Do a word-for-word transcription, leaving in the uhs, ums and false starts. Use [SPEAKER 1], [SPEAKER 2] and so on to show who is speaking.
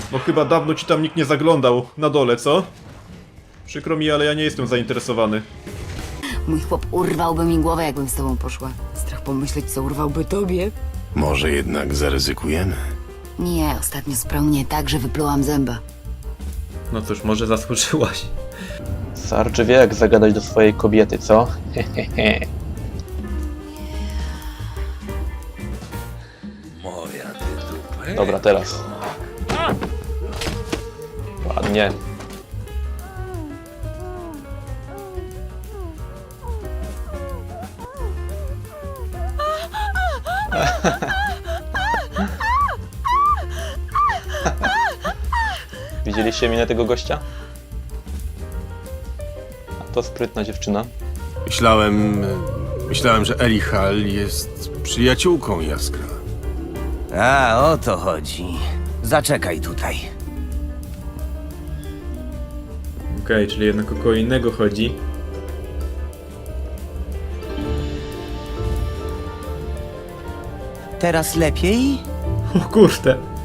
[SPEAKER 1] Bo chyba dawno ci tam nikt nie zaglądał na dole, co? Przykro mi, ale ja nie jestem zainteresowany.
[SPEAKER 2] Mój chłop urwałby mi głowę, jakbym z tobą poszła. Strach pomyśleć, co urwałby tobie.
[SPEAKER 3] Może jednak zaryzykujemy?
[SPEAKER 2] Nie, ostatnio sprał mnie tak, że wyplułam zęba.
[SPEAKER 4] No cóż, może zasłużyłaś. Sarge wie, jak zagadać do swojej kobiety, co? Hehehe.
[SPEAKER 5] Moja ty dupę.
[SPEAKER 4] Dobra, teraz. Ładnie. Widzieliście minę tego gościa? A to sprytna dziewczyna.
[SPEAKER 3] Myślałem... Myślałem, że Elihal jest przyjaciółką Jaskra.
[SPEAKER 6] A, o to chodzi. Zaczekaj tutaj.
[SPEAKER 1] Okej, okay, czyli jednak o kogo innego chodzi.
[SPEAKER 6] Teraz lepiej?
[SPEAKER 1] O kurde.